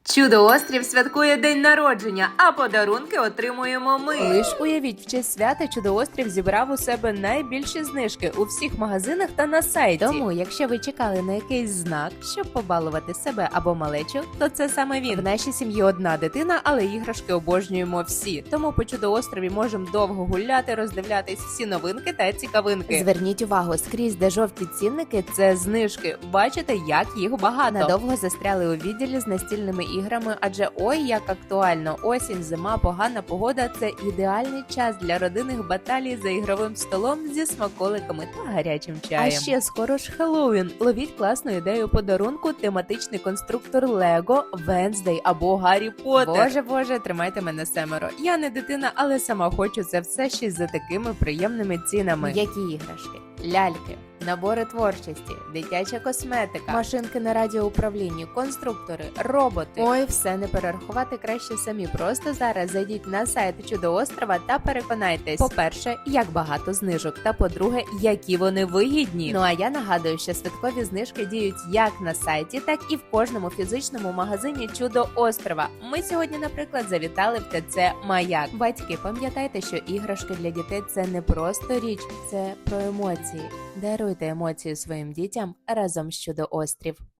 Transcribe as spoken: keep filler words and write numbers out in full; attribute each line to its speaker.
Speaker 1: Чудо-острів святкує день народження, а подарунки отримуємо ми.
Speaker 2: Лиш уявіть, в честь свята Чудо-острів зібрав у себе найбільші знижки у всіх магазинах та на сайті. Тому, якщо ви чекали на якийсь знак, щоб побалувати себе або малечу, то це саме він. В нашій сім'ї одна дитина, але іграшки обожнюємо всі. Тому по Чудо-острові можемо довго гуляти, роздивлятись всі новинки та цікавинки. Зверніть увагу, скрізь, де жовті цінники, це знижки. Бачите, як їх багато. Надовго застряли у відділі з настільними іграми, адже ой, як актуально. Осінь, зима, погана погода – це ідеальний час для родинних баталій за ігровим столом зі смаколиками та гарячим чаєм. А ще скоро ж Хеллоуін. Ловіть класну ідею подарунку – тематичний конструктор Лего, Венздей або Гаррі Поттер. Боже, боже, тримайте мене семеро. Я не дитина, але сама хочу це все ще за такими приємними цінами. Які іграшки? Ляльки, набори творчості, дитяча косметика, машинки на радіоуправлінні, конструктори, роботи. Ой, все не перерахувати краще самі. Просто зараз зайдіть на сайт Чудо-острова та переконайтесь. По-перше, як багато знижок, та по-друге, які вони вигідні. Ну а я нагадую, що святкові знижки діють як на сайті, так і в кожному фізичному магазині Чудо-острова. Ми сьогодні, наприклад, завітали в ТЦ Маяк. Батьки, пам'ятайте, що іграшки для дітей – це не просто річ, це про емоції. Даруйте емоції своїм дітям разом з Чудо-острів.